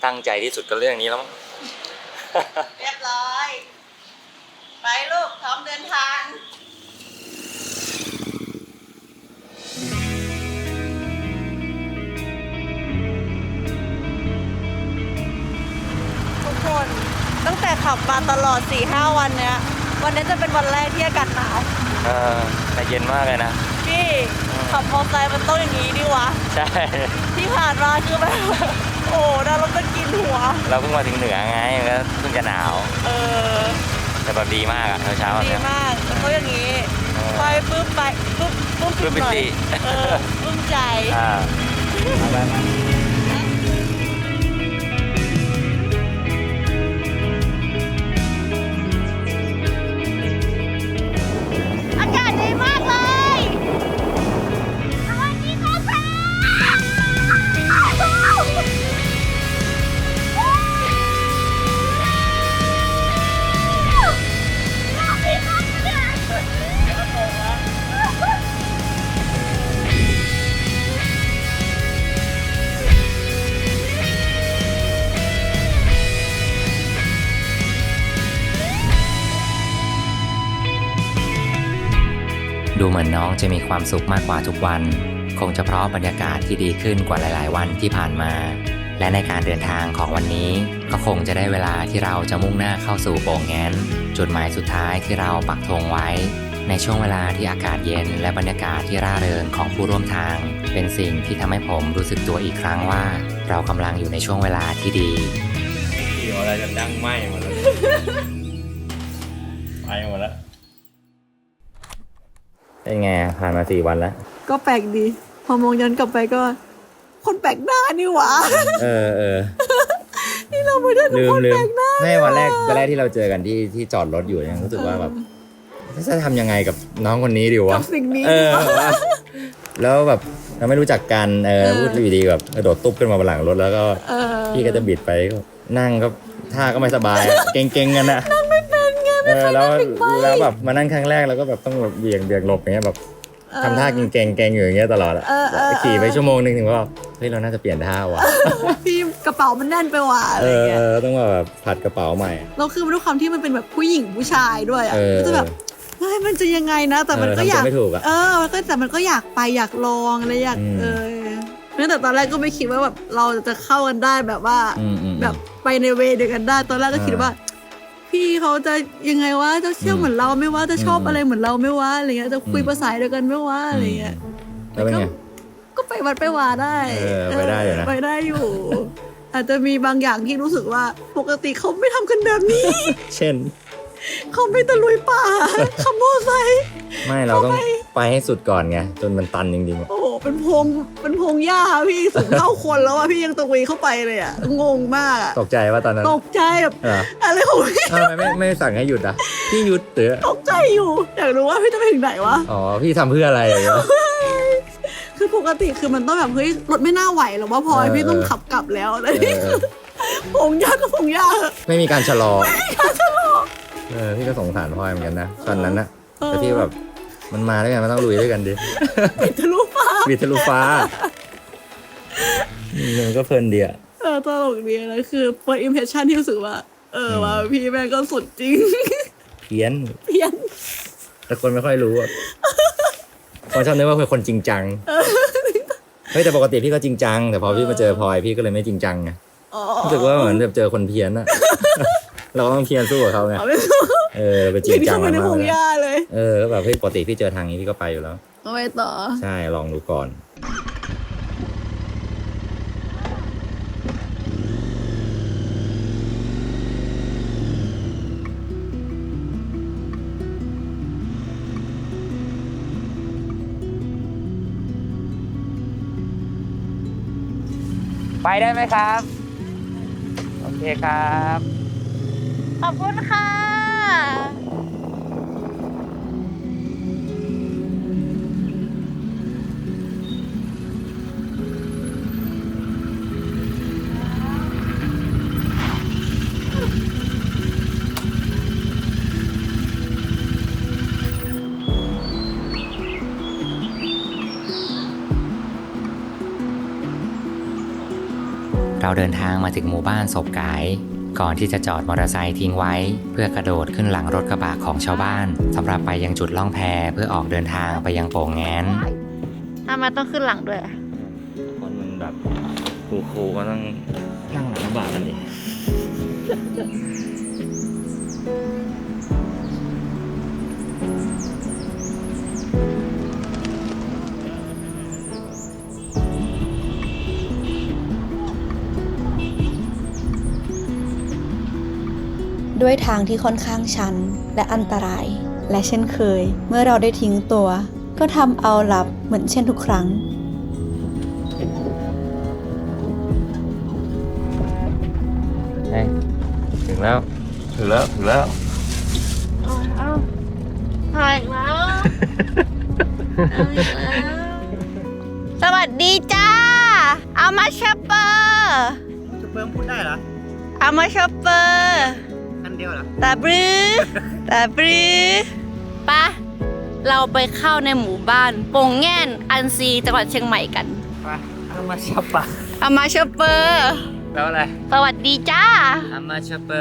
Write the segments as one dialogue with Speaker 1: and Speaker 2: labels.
Speaker 1: ตั้งใจที่สุดก็เรื่องนี้แล้ว
Speaker 2: เรียบร้อยไปลูกพร้อมเดินทางทุกคนตั้งแต่ขับมาตลอด 4-5 วันเนี้ยวันนี้จะเป็นวันแรกที่อากาศหนาว
Speaker 1: แต่เย็นมากเลยนะ
Speaker 2: พี่ขับมอเตอร์ไซค์มันต้องอย่างนี้ดิวะ
Speaker 1: ใช่
Speaker 2: ที่ผ่านมาคือแบบโอ้น่ารถจะกินหัว
Speaker 1: เราเพิ่งมาถึงเหนือไงก็เพิ่งจะหนาวแต่แบบดีมากอะเช้า
Speaker 2: ดีมากเขาอย่างนี้ไปปึ๊บไปปึ๊บ
Speaker 1: ปึ๊บหน่อย
Speaker 2: ปึ๊บใจ
Speaker 1: ไป
Speaker 2: อากาศดีมากเลยสวัสดีครับ
Speaker 1: ดูเหมือนน้องจะมีความสุขมากกว่าทุกวันคงจะเพราะบรรยากาศที่ดีขึ้นกว่าหลายๆวันที่ผ่านมาและในการเดินทางของวันนี้ก็คงจะได้เวลาที่เราจะมุ่งหน้าเข้าสู่โป่งแง้นจุดหมายสุดท้ายที่เราปักธงไว้ในช่วงเวลาที่อากาศเย็นและบรรยากาศที่ร่าเริงของผู้ร่วมทางเป็นสิ่งที่ทำให้ผมรู้สึกตัวอีกครั้งว่าเรากำลังอยู่ในช่วงเวลาที่ดีเกี่ยวอะไรจะดังไหมหมดแล้วไปหมดแล้วเป็นไงผ่านมา4 วันแล้ว
Speaker 2: ก็แปลกดีพอมองย้อนกลับไปก็คนแปลกหน้านี่หว่านี่เราไม่ได้เป็นคนแปลกหน้า
Speaker 1: ไม่วันแรกที่เราเจอกันที่จอดรถอยู่ยังรู้สึกว่าแบบจะทำยังไงกับน้องคนนี้ดีวะ
Speaker 2: กับสิ่งนี้
Speaker 1: แล้วแบบเราไม่รู้จักกันพูดอยู่ดีแบบกระโดดตุ๊บขึ้นมาบนหลังรถแล้วก็พี่ก็จะบิดไปก็นั่งก็ท่าก็ไม่สบายเก่งๆกันนะ
Speaker 2: นั่งไม่เป็นไง
Speaker 1: แล้วแบบมานั่งครั้งแรกเราก็แบบต้องแบบเบี่ยงหลบอย่างเงี้ยแบบทำท่าเก่งอยู่อย่างเงี้ยตลอดขี่ไปชั่วโมงนึงถึงว่าเฮ้ยเราน่าจะเปลี่ยนท่าว่ะ
Speaker 2: พี่กระเป๋ามันแน่นไปว่ะอะไรเงี้ย
Speaker 1: ต้องแบบผัดกระเป๋าใหม่
Speaker 2: เราคือด้วยความที่มันเป็นแบบผู้หญิงผู้ชายด้วยก็จะแบบเฮ้ยมันจะยังไงนะแต่มันก็อยากมันก็แต่มันก็อยากไปอยากลองอะไรอยากแต่ตอนแรกก็ไม่คิดว่าแบบเราจะเข้ากันได้แบบว่าแบบไปในเวเดียวกันได้ตอนแรกก็คิดว่าพี่เขาจะยังไงวะจะเชี่ยวเหมือนเราไม่ว่าจะชอบอะไรเหมือนเราไม่ว่าอะไรเงี้ยจะคุยภาษาเดียวกันไม่ว่าอะไรเงี้ย
Speaker 1: แล้วเป็นไง
Speaker 2: ก็ไปวัดไปวาได้
Speaker 1: ไปได้อยู่นะ
Speaker 2: ไปได้อยู่อาจจะมีบางอย่างที่รู้สึกว่าปกติเขาไม่ทำกันแบบนี้
Speaker 1: เช่น
Speaker 2: เขาไม่ตะลุยป่าขับมอเตอร์ไซค์
Speaker 1: ไม่เราต้องไปให้สุดก่อนไงจนมันตันจริงๆ
Speaker 2: โอ้โหเป็นพงหญ้าพี่สูงเท่าคนแล้วพี่ยังตะลุยเข้าไปเลยงงมาก
Speaker 1: ตกใจว่าตอนนั้น
Speaker 2: ตกใจแบบอะไรของพี่
Speaker 1: ทำไมไม่สั่งให้หยุดพี่หยุดเถอะ
Speaker 2: ตกใจอยู่อยากรู้ว่าพี่จะไปถึงไหนวะ
Speaker 1: อ๋อพี่ทำเพื่ออะไร
Speaker 2: คือปกติคือมันต้องแบบเฮ้ยรถไม่น่าไหวหรอกว่าพอพี่ต้องขับกลับแล้วอะไรนี่คือพงหญ้าก็พงหญ้า
Speaker 1: ไม่มีการชะลอพี่ก็สงสารพ่อเหมือนกันนะตอนนั้นนะแต่พี่แบบมันมาด้วยกันมันต้องลุยด้วยกันดิ
Speaker 2: บิดทะลุ
Speaker 1: ฟ้ามันก็เพลินดี
Speaker 2: ตลกดีนะคือ first impression ที่รู้สึกว่าว่าพี่แม่ก็สุดจริง
Speaker 1: เพี้ยนแต่คนไม่ค่อยรู้คนชอบนึกว่าเป็นคนจริงจังเฮ้ยแต่ปกติพี่ก็จริงจังแต่พอพี่มาเจอพลอยพี่ก็เลยไม่จริงจังไงรู้สึกว่าเหมือนแบบเจอคนเพี้ยนอะเราต้องเพียรสู้กับเขาไงไปจริงจังมากเลยก็แบบปกติพี่เจอทางนี้พี่ก็ไปอยู่แล้ว
Speaker 2: ไปต่อ
Speaker 1: ใช่ลองดูก่อนไปได้ไหมครับโอเคครับ
Speaker 2: ขอบคุณค่ะ
Speaker 1: เรเราเดินทางมาถึงหมู่บ้านศพกายก่อนที่จะจอดมอเตอร์ไซค์ทิ้งไว้เพื่อกระโดดขึ้นหลังรถกระบะของชาวบ้านสำหรับไปยังจุดล่องแพเพื่อออกเดินทางไปยังโป่งแง้น
Speaker 2: ทำไมต้องขึ้นหลังด้วย
Speaker 1: คนมันแบบครูก็ต้องนั่งหลังกระบะกันดิ
Speaker 3: ด้วยทางที่ค่อนข้างชันและอันตราย และเช่นเคย เมื่อเราได้ทิ้งตัว ก็ทำเอาหลับเหมือนเช่นทุกครั้ง
Speaker 1: ถึงแล้ว
Speaker 2: ถ่ายแล้วสวัสดีจ้า เอามาชอปเปอร์
Speaker 4: พูดได้เหรอ
Speaker 2: เอามาชอปเปอร์
Speaker 4: อันเดียวเหรอ
Speaker 2: ตาบรือปะเราไปเข้าในหมู่บ้านโป่งแง่นอันซีจังหวัดเชียงใหม่กัน
Speaker 4: ไปเอามาช็อปปะ
Speaker 2: เอามาชอปเปอร์
Speaker 4: แปลว่าอะไร
Speaker 2: สวัสดีจ้า
Speaker 4: เอามาช็อปเปอร์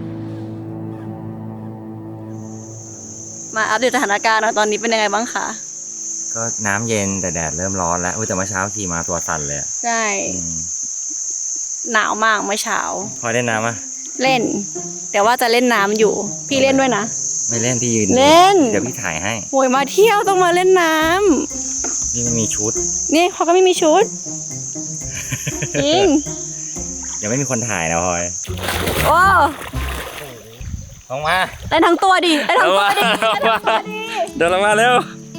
Speaker 2: มาอัปเดตสถานการณ์หน่อยตอนนี้เป็นยังไงบ้างคะ
Speaker 1: ก็น้ำเย็นแต่แดดเริ่มร้อนแล้วแต่เมื่อเช้าขี่มาตัวสั่นเลยอะ
Speaker 2: ใช่ หนาวมากเมื่อเช้า
Speaker 1: พอได้น้ำอ่ะ
Speaker 2: เล่น แต่ว่าจะเล่นน้ำอยู่ พี่เล่นด้วยนะ
Speaker 1: ไม่เล่นพี่ยืน
Speaker 2: เล่น
Speaker 1: เดี๋ยวพี่ถ่ายให้
Speaker 2: โวยมาเที่ยวต้องมาเล่นน้ำ
Speaker 1: พี่ไม่มีชุด
Speaker 2: นี่เขาก็ไม่มีชุด จริง
Speaker 1: เดี๋ยวไม่มีคนถ่ายนะพลอย
Speaker 2: โอ้
Speaker 1: ลงมา
Speaker 2: ได้ทั้งตัวดิได้ทั้งตัวดิ
Speaker 1: เดินลงมาเร็ว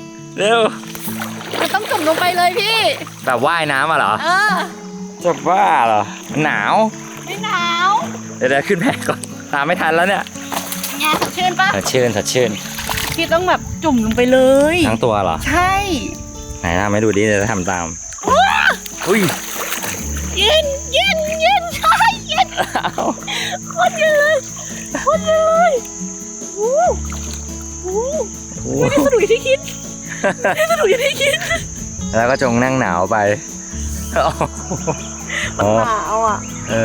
Speaker 2: มันต้องจุ่มลงไปเลยพี่
Speaker 1: แบบว่ายน้ำอ่ะเหรอ จะบ้าเหรอมันหนาว
Speaker 2: ไม่หนาว
Speaker 1: เดี๋ยวขึ้นแพก่อนตามไม่ทันแล้วเนี่ย
Speaker 2: ไงสดชื่นปะ
Speaker 1: สดชื่น
Speaker 2: พี่ต้องแบบจุ่มลงไปเลย
Speaker 1: ทั้งตัวเหรอ
Speaker 2: ใช่
Speaker 1: ไหนทำให้ดูดิเดี๋ยวจะทำตามอุ้ย
Speaker 2: เย็นใช่เย็นโคตรเย็นเลยโอ้โหไม่ได้สนุกอย่างที่คิด
Speaker 1: แล้วก็จงนั่งหนาวไป
Speaker 2: มันหนาวอ่ะ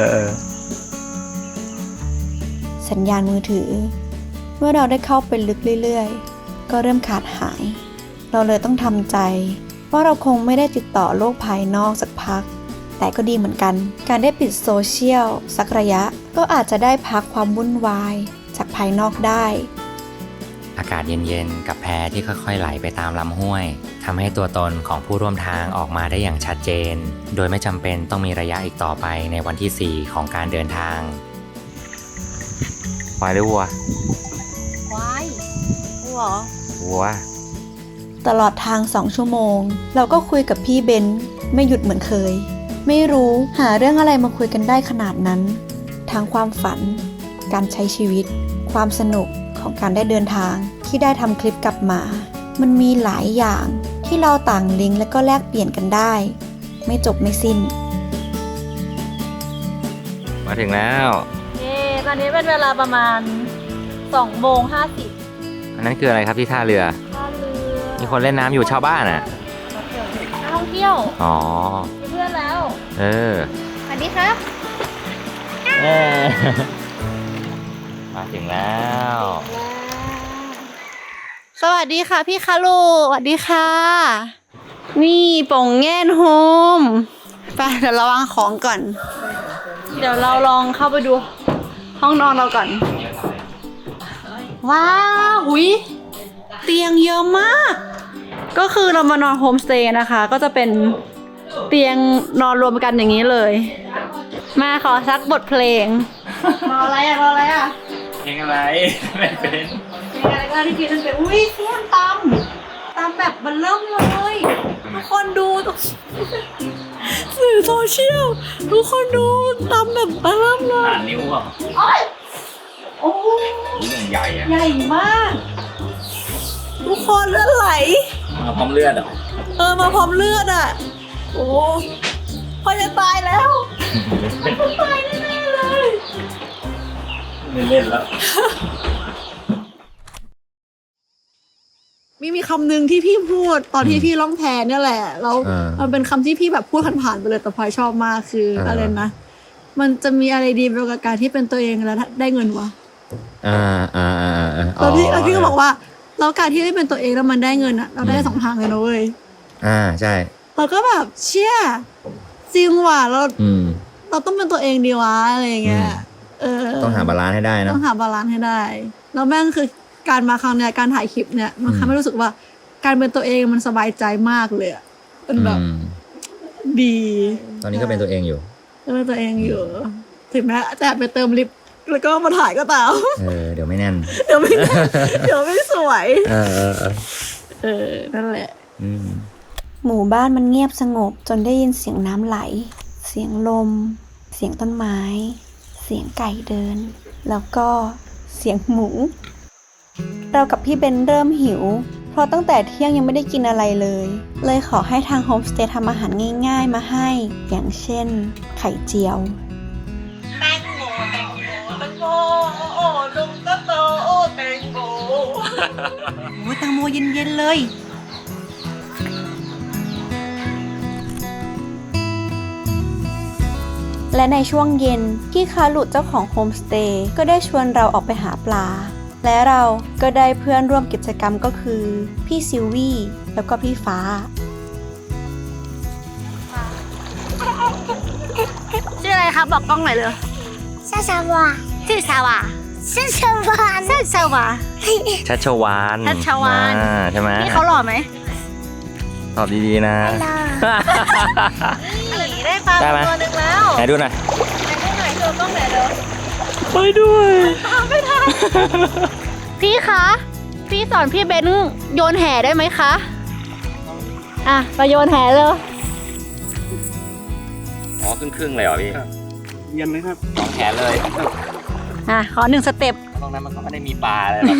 Speaker 3: สัญญาณมือถือ เมื่อเราได้เข้าไปลึกเรื่อยๆ ก็เริ่มขาดหาย เราเลยต้องทำใจว่าเราคงไม่ได้ติดต่อโลกภายนอกสักพัก แต่ก็ดีเหมือนกัน การได้ปิดโซเชียลสักระยะ ก็อาจจะได้พักความวุ่นวายจากภายนอกได้
Speaker 1: อากาศเย็นๆกับแพที่ค่อยๆไหลไปตามลำห้วยทำให้ตัวตนของผู้ร่วมทางออกมาได้อย่างชัดเจน โดยไม่จำเป็นต้องมีระยะอีกต่อไปในวันที่ 4 ของการเดินทางควายหรือวัว
Speaker 2: ควายวัว
Speaker 1: วัว
Speaker 3: ตลอดทาง 2 ชั่วโมง เราก็คุยกับพี่เบนซ์ไม่หยุดเหมือนเคย ไม่รู้หาเรื่องอะไรมาคุยกันได้ขนาดนั้น ทั้งความฝัน การใช้ชีวิต ความสนุกของการได้เดินทางที่ได้ทำคลิปกลับมา มันมีหลายอย่างที่เราต่างลิงก์และก็แลกเปลี่ยนกันได้ ไม่จบไม่สิ้น
Speaker 1: มาถึงแล้ว
Speaker 2: เย้ตอนนี้เป็นเวลาประมาณ2:50
Speaker 1: อันนั้นคืออะไรครับที่ท่าเรือ
Speaker 2: ท่าเรือ
Speaker 1: มีคนเล่นน้ำอยู่ชาวบ้านอ่ะ
Speaker 2: นักท่องเที่ยว
Speaker 1: อ๋อ
Speaker 2: มีเพื่อนแล้ว สวัสดีครับ
Speaker 1: มาถึงแล้ว
Speaker 2: สวัสดีค่ะพี่คารุสวัสดีค่ะ นี่โป่งแง่นโฮมไปเดี๋ยวเราวางของก่อน เดี๋ยวเราลองเข้าไปดูห้องนอนเราก่อน ว้าวหุยเตียงเยอะมาก ก็คือเรามานอนโฮมสเตย์นะคะ ก็จะเป็นเตียงนอนรวมกันอย่างนี้เลย มาขอสักบทเพลง รออะไรอ่ะ
Speaker 1: เพลงอะไรไม่เป็น
Speaker 2: เพลงอะไรก็ที่พี่นั่นเป็นอุ้ยเสียงตำแบบมันเริ่มเลยทุกคนดูสื่อโซเชียลทุกคนดูตำแบบมันเริ่มเลย
Speaker 1: นิ้วอ่ะ
Speaker 2: โอ้โห
Speaker 1: นิ้วใหญ่อ่ะ
Speaker 2: ใหญ่มาก ทุกคนเลือดไหล
Speaker 1: มาพร้อมเลือดอ่ะ
Speaker 2: มาพร้อมเลือดอ่ะ โอ้พอจะตายแล้วตายแน่ๆเลย
Speaker 1: ไม่เล่นแล้ว
Speaker 2: มีคำหนึ่งที่พี่พูดตอนที่พี่ล่องแพเนี่ยแหละแล้วมันเป็นคำที่พี่แบบพูดผ่านๆไปเลยแต่พลอยชอบมากคืออะไรนะมันจะมีอะไรดีไปกว่าการที่เป็นตัวเองแล้วได้เงินวะแล้วพี่ก็บอกว่าแล้วการที่ได้เป็นตัวเองแล้วมันได้เงินอะเราได้2 ทางเลยนะเว้ย
Speaker 1: ใช่
Speaker 2: เราก็แบบเชี่ยจริงว่ะเราต้องเป็นตัวเองดีวะอะไรอย่างเงี้ย
Speaker 1: ต้องหาบาลานซ์ให้ได้นะ
Speaker 2: ต้องหาบาลานซ์ให้ได้แล้วแม่งคือการมาครั้งเนี้ยการถ่ายคลิปเนี่ยมันทำให้รู้สึกว่าการเป็นตัวเองมันสบายใจมากเลยอะเป็นแบบดี
Speaker 1: ตอนนี้ก็เป็นตัวเองอยู่
Speaker 2: เป็นตัวเองอยู่ถึงแม้จะไปเติมลิปแล้วก็มาถ่ายก็ตาม
Speaker 1: เดี๋ยวไม่แน่น
Speaker 2: เดี๋ยวไม่สวยนั่นแหละ
Speaker 3: หมู่บ้านมันเงียบสงบจนได้ยินเสียงน้ำไหลเสียงลมเสียงต้นไม้เสียงไก่เดินแล้วก็เสียงหมูเรากับพี่เบนเริ่มหิวเพราะตั้งแต่เที่ยงยังไม่ได้กินอะไรเลยขอให้ทางโฮมสเตย์ทำอาหารง่ายๆมาให้อย่างเช่นไข่เจียว
Speaker 2: แตงโมโอ้นมก็โตโอ้แตงโมแตงโมเย็นๆเลย
Speaker 3: และในช่วงเย็นพี่คารุเจ้าของโฮมสเตย์ก็ได้ชวนเราออกไปหาปลาและเราก็ได้เพื่อนร่วมกิจกรรมก็คือพี่ซิลวี่แล้วก็พี่ฟ้า
Speaker 2: ชื่ออะไรครับบอกกล้องหน่อยเลย
Speaker 5: ชัชวา
Speaker 2: ชื่อชาวา
Speaker 5: ชัชวา
Speaker 2: ชัชวา
Speaker 1: ชัชวานใช่ไหม
Speaker 2: นี่เขาหล่อไหม
Speaker 1: ตอบดีๆนะ
Speaker 2: ได้ปลาตัวนึงแล้ว
Speaker 1: ไหนดูหน่อย
Speaker 2: เธอกล้องไหนเด้อ
Speaker 1: ไปด้วย
Speaker 2: ไม่ทันพี่คะพี่สอนพี่เบนโยนแห่ได้ไหมคะไปโยนแห่เลย
Speaker 1: ครึ่งเลยเหรอพี่
Speaker 4: เย็นเลยครับ
Speaker 1: 2 แขนเลย
Speaker 2: ขอ1 สเต็ป
Speaker 1: ตรงนั้นมันก็ไม่ได้มีปลาอะไรหรอก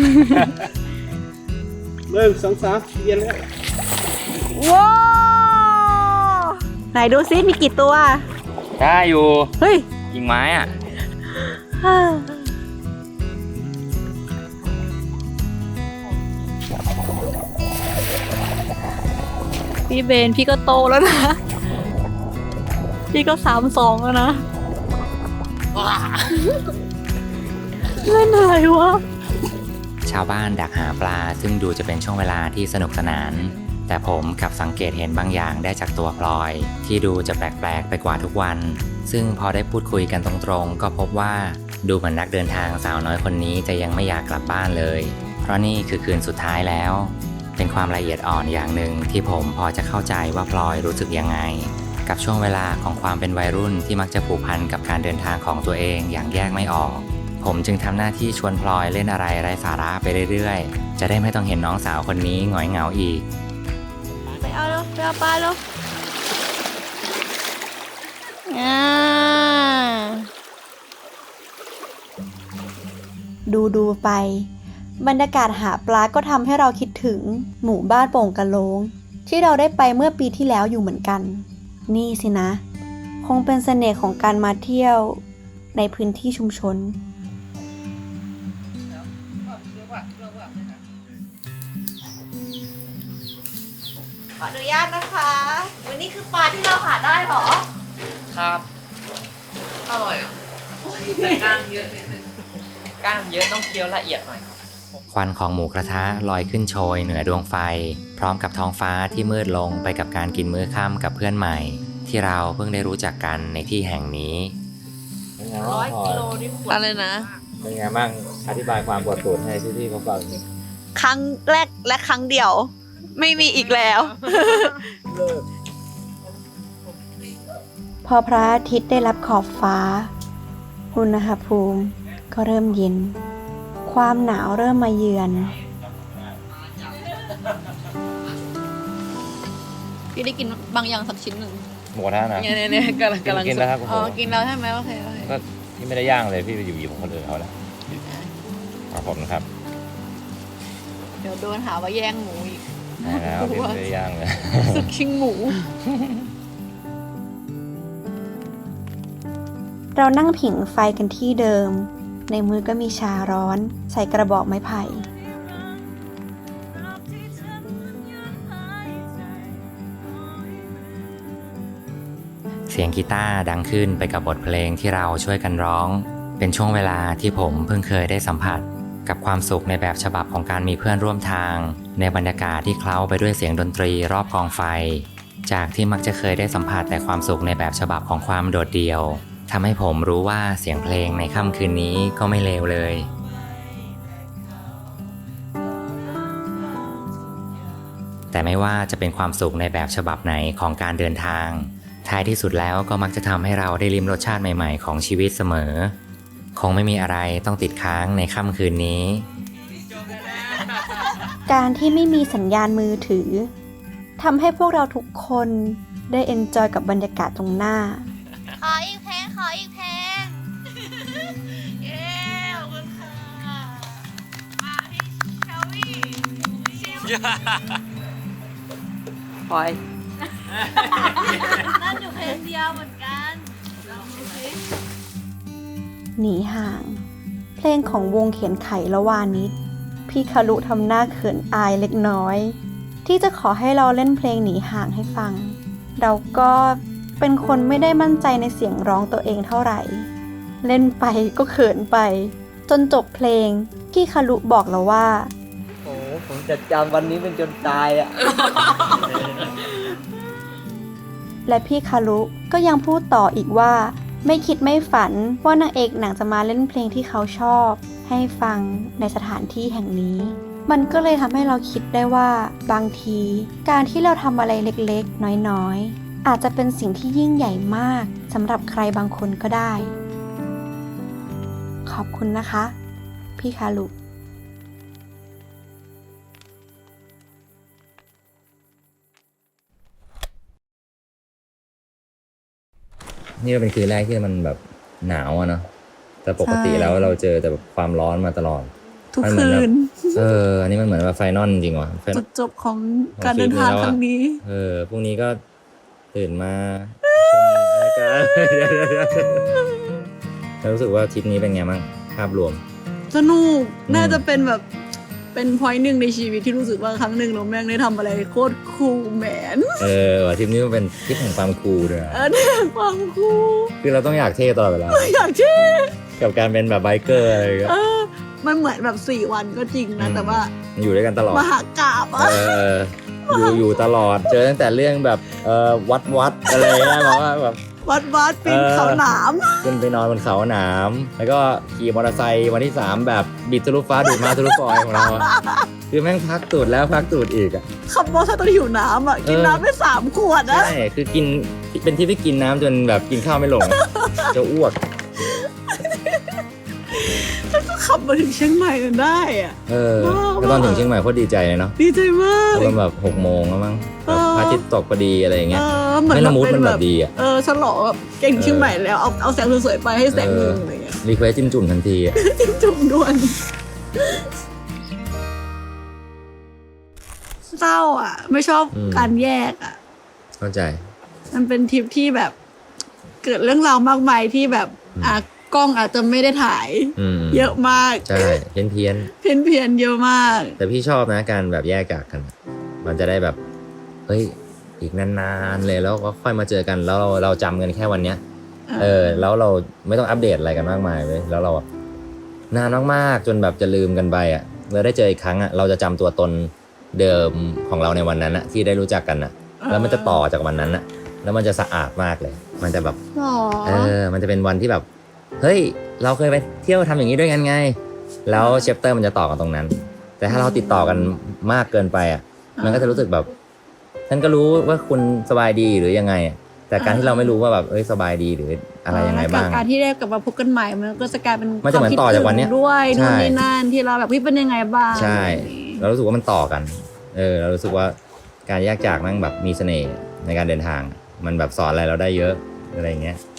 Speaker 4: 1 2 3เย็นเลย
Speaker 2: ว้าวไหนดูซิมีกี่ตัว
Speaker 1: ได้อยู่
Speaker 2: เฮ้ย
Speaker 1: กิ่งไม้
Speaker 2: พี่เบนพี่ก็โตแล้วนะพี่ก็32แล้วนะเล่นอะไรวะ
Speaker 1: ชาวบ้านดักหาปลาซึ่งดูจะเป็นช่วงเวลาที่สนุกสนานแต่ผมกลับสังเกตเห็นบางอย่างได้จากตัวพลอยที่ดูจะแปลกๆไปกว่าทุกวันซึ่งพอได้พูดคุยกันตรงๆก็พบว่าดูเหมือนนักเดินทางสาวน้อยคนนี้จะยังไม่อยากกลับบ้านเลยเพราะนี่คือคืนสุดท้ายแล้วเป็นความละเอียดอ่อนอย่างหนึ่งที่ผมพอจะเข้าใจว่าพลอยรู้สึกยังไงกับช่วงเวลาของความเป็นวัยรุ่นที่มักจะผูกพันกับการเดินทางของตัวเองอย่างแยกไม่ออกผมจึงทำหน้าที่ชวนพลอยเล่นอะไรไร้สาระไปเรื่อยๆจะได้ไม่ต้องเห็นน้องสาวคนนี้หงอยเหงาอีก
Speaker 2: ไปเอาแล้วไปเอาปลาแล้ว
Speaker 3: ดูไปบรรยากาศหาปลาก็ทำให้เราคิดถึงหมู่บ้านโป่งกะโลงที่เราได้ไปเมื่อปีที่แล้วอยู่เหมือนกันนี่สินะคงเป็นเสน่ห์ของการมาเที่ยวในพื้นที่ชุมชน
Speaker 2: ขออนุญาตนะคะวันนี้คือปลาที่เราหาได้หรอ
Speaker 4: ครับอร่อยแต่ก้างเยอะนิดนึงก้างเยอะต้องเคี้ยวละเอียดหน่อย
Speaker 1: ควันของหมูกระทะลอยขึ้นโชยเหนือดวงไฟพร้อมกับท้องฟ้าที่มืดลงไปกับการกินมื้อค่ำกับเพื่อนใหม่ที่เราเพิ่งได้รู้จักกันในที่แห่งนี้
Speaker 2: 100 กิโลนี่อะไรนะ
Speaker 1: เป็นไงบ้างอธิบายความปวดตูดให้พี่ๆเขาฟัง
Speaker 2: ครั้งแรกและครั้งเดียวไม่มีอีกแล้ว
Speaker 3: พอพระอาทิตย์ได้รับขอบฟ้าอุณหภูมิก็เริ่มเย็นความหนาวเริ่มมาเยือน
Speaker 2: พี่ได้กินบางอย่างสักชิ้นหนึ่ง
Speaker 1: หมูกระทะนะ
Speaker 2: เนี่ยกำลัง
Speaker 1: กินแล้วครับ
Speaker 2: กินแล้วใช่ไหมโอเค
Speaker 1: ก็ที่ไม่ได้ย่างเลยพี่ไปหยิบของคนอื่นเขาแล้วขอบคุณครับ
Speaker 2: เดี๋ยวโดนหาว่าแย่งหมูอีก
Speaker 1: แล้วพี่ไม่ได้ย่างเลย
Speaker 2: สึกชิงหมู
Speaker 3: เรานั่งผิงไฟกันที่เดิมในมือก็มีชาร้อนใส่กระบอกไม้ไผ่
Speaker 1: สียงกีตาร์ดังขึ้นไปกับบทเพลงที่เราช่วยกันร้อง เป็นช่วงเวลาที่ผมเพิ่งเคยได้สัมผัสกับความสุขในแบบฉบับของการมีเพื่อนร่วมทางในบรรยากาศที่เคล้าไปด้วยเสียงดนตรีรอบกองไฟจากที่มักจะเคยได้สัมผัสแต่ความสุขในแบบฉบับของความโดดเดี่ยวทำให้ผมรู้ว่าเสียงเพลงในค่ำคืนนี้ก็ไม่เลวเลยแต่ไม่ว่าจะเป็นความสุขในแบบฉบับไหนของการเดินทางท้ายที่สุดแล้วก็มักจะทำให้เราได้ลิ้มรสชาติใหม่ๆของชีวิตเสมอคงไม่มีอะไรต้องติดค้างในค่ำคืนนี้
Speaker 3: การที่ไม่มีสัญญาณมือถือทำให้พวกเราทุกคนได้เอนจอยกับบรรยากาศตรงหน้า
Speaker 5: ขออีกเพลงขออีกเพลงเย้ขอบคุณค่ะมาพี่เชลวี่
Speaker 4: พลอย
Speaker 2: นั่นอยู่เพลงเดียวเหมือนกันลองดูสิ
Speaker 3: หนีห่าง เพลงของวงเขียนไขละวานิชพี่คารุทำหน้าเขินอายเล็กน้อยที่จะขอให้เราเล่นเพลงหนีห่างให้ฟังเราก็เป็นคนไม่ได้มั่นใจในเสียงร้องตัวเองเท่าไหร่เล่นไปก็เขินไปจนจบเพลงพี่คารุบอกเราว่า
Speaker 4: โอ้ผมจะจำวันนี้เป็นจนตายอ่ะ
Speaker 3: และพี่คารุก็ยังพูดต่ออีกว่าไม่คิดไม่ฝันว่านางเอกหนังจะมาเล่นเพลงที่เขาชอบให้ฟังในสถานที่แห่งนี้มันก็เลยทำให้เราคิดได้ว่าบางทีการที่เราทำอะไรเล็กๆน้อยๆอาจจะเป็นสิ่งที่ยิ่งใหญ่มากสำหรับใครบางคนก็ได้ขอบคุณนะคะพี่คารุ
Speaker 6: นี่ก็เป็นคืนแรกที่มันแบบหนาวอะเนาะแต่ปกติแล้วเราเจอแต่แบบความร้อนมาตลอด
Speaker 2: ทุก
Speaker 6: มันเหมื
Speaker 2: คื
Speaker 6: อนแบบ
Speaker 2: น
Speaker 6: อันนี้มันเหมือนว่าไฟนอลจริงว่ะ
Speaker 2: จุดจบของการเดินทางครั้งนี้
Speaker 6: พรุ่งนี้ก็ตื่นมาชมรายการแล้วรู้สึกว่าทริปนี้เป็นไงบ้างภาพรวม
Speaker 2: สนุกน่าจะเป็นแบบเป็นพอยต์หนึ่งในชีวิตที่รู้สึกว่าครั้งหนึ่งเราแม่งได้ทำอะไรโคตรคูลแมน
Speaker 6: ว่ะทริปนี้มันเป็นทริปแห่งความคูลด้วยอะ
Speaker 2: เนี่ยความคูล
Speaker 6: คือเราต้องอยากเท่ตลอดเวลา
Speaker 2: อยากเชื่อ
Speaker 6: กับการเป็นแบบไบเกอร์อะไรอย่างเงี้ย
Speaker 2: มันเหมือนแบบ4 วันก็จริงนะแต่ว่า
Speaker 6: อยู่ด้วยกันตลอด
Speaker 2: มหากาบอะ
Speaker 6: อยู่ตลอดเจอตั้งแต่เรื่องแบบวัดอะไรเงี้ยแบบว่าแบบ
Speaker 2: วัดปีนเขาหนาม
Speaker 6: ขึ้นไปนอนบนเขาหนามแล้วก็ขี่มอเตอร์ไซค์วันที่3แบบบิดทะลุฟ้าดูดมาทะลุฟอยของเราอะคือแม่งพักตูดแล้วพักตูดอีกอ่ะ
Speaker 2: ขับมอเตอร์ไซค์ตอนหิวน้ำอ่ะกินน้ำไป3 ขวดนะ
Speaker 6: ใช่คือกินเป็นที่ที่กินน้ำจนแบบกินข้าวไม่ลงอะจะอ้วก
Speaker 2: แล้วก็ขับมาถึงเชียงใหม่กันได้อ่ะ
Speaker 6: แล้วตอนถึงเชียงใหม่โคตรดีใจเลยเนาะ
Speaker 2: ดีใจมาก
Speaker 6: ตอนแบบ6 โมงแล้วมั้งแบบพระอาทิตย์ตกพอดีอะไรอย่างเงี้ย
Speaker 2: เหมือน
Speaker 6: ไม่ละมุด
Speaker 2: เป็
Speaker 6: มันแบบดีอะ
Speaker 2: ฉลองแบบเก่งเชียงใหม่แล้วเอาแสงสวยๆไปให้แสงหนึงอะไรเงี้ย
Speaker 6: รีเควสจิ้มจุ่มทันทีอะ
Speaker 2: จุ่มด่วนเศร้าอ่ะ ไม่ชอบการแยกอ่ะ
Speaker 6: เข้าใจ
Speaker 2: มันเป็นทริปที่แบบ เกิดเรื่องราวมากมายที่แบบกล้องอาจจะไม่ได้ถ่าย เยอะมาก
Speaker 6: ใช่เพี้ยน
Speaker 2: เพี้ยนเยอะมาก
Speaker 6: แต่พี่ชอบนะการแบบแยกจากกัน มันจะได้แบบเฮ้ยอีกนานๆเลยแล้วก็ค่อยมาเจอกันแล้วเราจำกันแค่วันเนี้ยแล้วเราไม่ต้องอัปเดตอะไรกันมากมายเลยแล้วเราแบบนานมากๆจนแบบจะลืมกันไปอ่ะเราได้เจออีกครั้งอ่ะเราจะจำตัวตนเดิมของเราในวันนั้นอ่ะที่ได้รู้จักกันอ่ะแล้วมันจะต่อจากวันนั้นอ่ะแล้วมันจะสะอาดมากเลย มันจะแบบมันจะเป็นวันที่แบบเฮ้ยเราเคยไปเที่ยวทำอย่างนี้ด้วยกันไงแล้วเชปเตอร์มันจะต่อกันตรงนั้นแต่ถ้าเราติดต่อกันมากเกินไปอ่ะมันก็จะรู้สึกแบบฉันก็รู้ว่าคุณสบายดีหรือยังไงแต่การที่เราไม่รู้ว่าแบบสบายดีหรืออะไรยังไงบ้าง
Speaker 2: การที่ได้กลับมาพบกันใหม่มันก็จะกลายเป็น
Speaker 6: มันจะเหมือนต่อจากวันเนี้ย
Speaker 2: ด้วยนู่นนี่นั่นที่เราแบบเป็นยังไงบ้าง
Speaker 6: ใช่เรารู้สึกว่ามันต่อกันเรารู้สึกว่าการแยกจากมันแบบมีเสน่ห์ในการเดินทางมันแบบสอนอะไรเราได้เยอะอะไรอย่างเงี้ย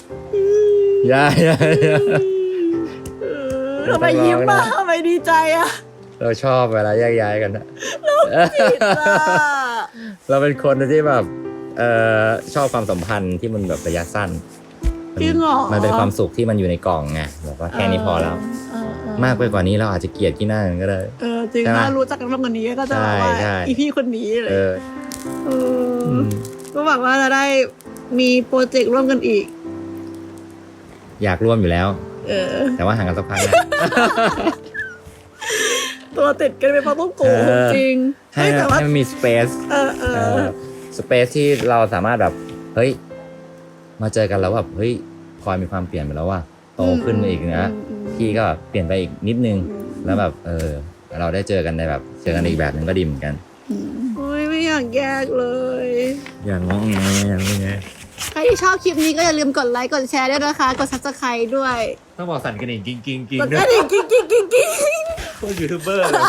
Speaker 2: ทำไมยิ้มมาทำไมดีใจอ่ะ
Speaker 6: เราชอบเวลาแยกย้ายกันนะ
Speaker 2: ผิดอ่ะ
Speaker 6: เราเป็นคนที่แบบชอบความสัมพันธ์ที่มันแบบระยะสั้น
Speaker 2: จริงเหรอ
Speaker 6: มันเป็นความสุขที่มันอยู่ในกล่องไงแบบว่าแค่นี้พอแล้วมากไปกว่านี้เราอาจจะเกลียดที่หน้ากันก็ได้
Speaker 2: จริงถ้ารู้จักกันมากกว่านี้ก็จะแบบว่าอีพี่คนนี้เลยก็หวังว่าจะได้มีโปรเจกต์ร่วมกันอีก
Speaker 6: อยากร่วมอยู่แล้ว
Speaker 2: เออ
Speaker 6: แต่ว่าห่างกันสักพักนะ
Speaker 2: ตัวติดกันไปเพราะต้องโกหกจริง
Speaker 6: ให้
Speaker 2: แต่ว่า
Speaker 6: มันมีสเปซ สเปซที่เราสามารถแบบเฮ้ยมาเจอกันแล้วแบบเฮ้ยพลอยมีความเปลี่ยนไปแล้วว่ะโตขึ้นมาอีกนะพี่ก็เปลี่ยนไปอีกนิดนึงแล้วแบบเราได้เจอกันในแบบเจอกันอีกแบบนึงก็ดีเหมือนกัน
Speaker 2: โอ้ยไม่อยากแยกเลย
Speaker 6: อย่างง้องแงอย่างนี้ไง
Speaker 2: ใครที่ชอบคลิปนี้ก็อย่าลืมกดไลค์กดแชร์ด้วยนะคะ กด subscribe ด้วย
Speaker 6: ต้องบอกสั่นกระดิ่งกิ้งกิ้งกิ้ง
Speaker 2: กดกระดิ่งกิ๊งกิ๊งกิ๊งกิ๊ง
Speaker 6: พวกยูทูบเบอร์เลย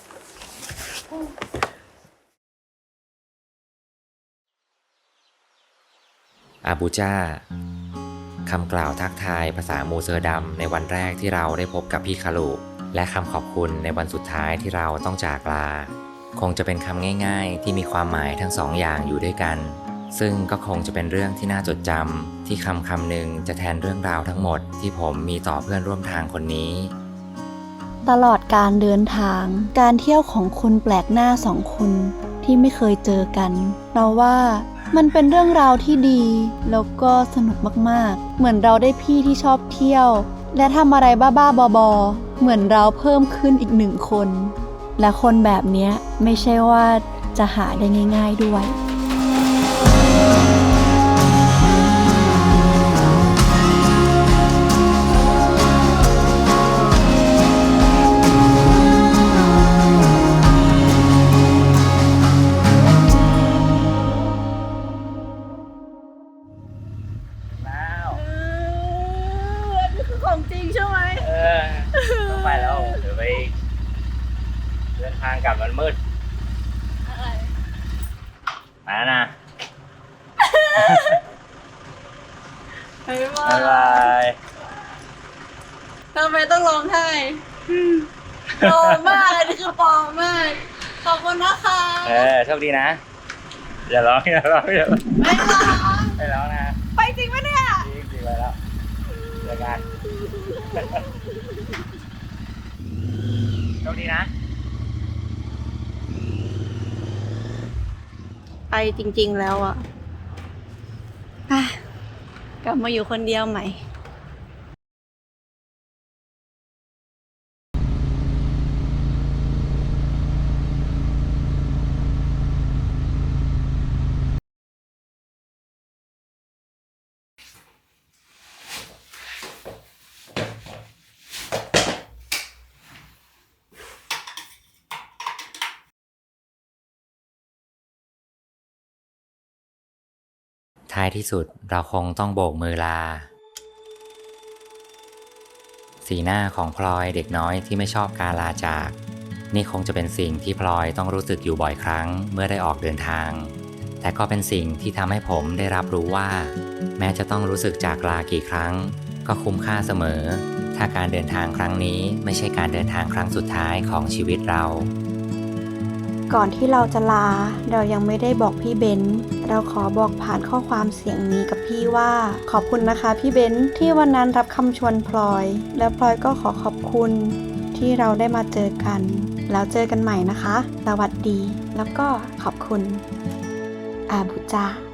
Speaker 1: อาบูจ้าคำกล่าวทักทายภาษามูเซอร์ดำในวันแรกที่เราได้พบกับพี่คารุและคำขอบคุณในวันสุดท้ายที่เราต้องจากลาคงจะเป็นคำง่ายๆที่มีความหมายทั้งสองอย่างอยู่ด้วยกันซึ่งก็คงจะเป็นเรื่องที่น่าจดจำที่คำหนึ่งจะแทนเรื่องราวทั้งหมดที่ผมมีต่อเพื่อนร่วมทางคนนี้
Speaker 3: ตลอดการเดินทางการเที่ยวของคนแปลกหน้าสองคนที่ไม่เคยเจอกันเราว่ามันเป็นเรื่องราวที่ดีแล้วก็สนุกมากๆเหมือนเราได้พี่ที่ชอบเที่ยวและทำอะไรบ้าๆบอๆเหมือนเราเพิ่มขึ้นอีกหนึ่งคนและคนแบบนี้ไม่ใช่ว่าจะหาได้ง่ายๆด้วย
Speaker 2: ของจริงใช่ไหม
Speaker 6: ต้องไปแล้วเดี๋ยวไปเดินทางกลับมันมืดมาแล้วนะ
Speaker 2: บ๊ายบา
Speaker 6: บ๊ายบาย ย
Speaker 2: ทำไมต้องร้องไห้ปลอมมากอันนี้คือปลอมมากขอบคุณนะคะ
Speaker 6: โชคดีนะอย่าร้องอย่าร้องอย่าร้อง
Speaker 2: ไม่ร้อง
Speaker 6: ไม่ร้องนะ
Speaker 2: ไปจริงปะเนี่ย
Speaker 6: จริงไปแล้วเจอกันโชคดีนะ
Speaker 2: ไปจริงๆแล้วอ่ะกลับมาอยู่คนเดียวใหม่
Speaker 1: ท้ายที่สุดเราคงต้องโบกมือลาสีหน้าของพลอยเด็กน้อยที่ไม่ชอบการลาจากนี่คงจะเป็นสิ่งที่พลอยต้องรู้สึกอยู่บ่อยครั้งเมื่อได้ออกเดินทางแต่ก็เป็นสิ่งที่ทำให้ผมได้รับรู้ว่าแม้จะต้องรู้สึกจากลากี่ครั้งก็คุ้มค่าเสมอถ้าการเดินทางครั้งนี้ไม่ใช่การเดินทางครั้งสุดท้ายของชีวิตเรา
Speaker 3: ก่อนที่เราจะลาเรายังไม่ได้บอกพี่เบนซ์เราขอบอกผ่านข้อความเสียงนี้กับพี่ว่าขอบคุณนะคะพี่เบนซ์ที่วันนั้นรับคำชวนพลอยและพลอยก็ขอขอบคุณที่เราได้มาเจอกันแล้วเจอกันใหม่นะคะสวัสดีแล้วก็ขอบคุณอาบูจา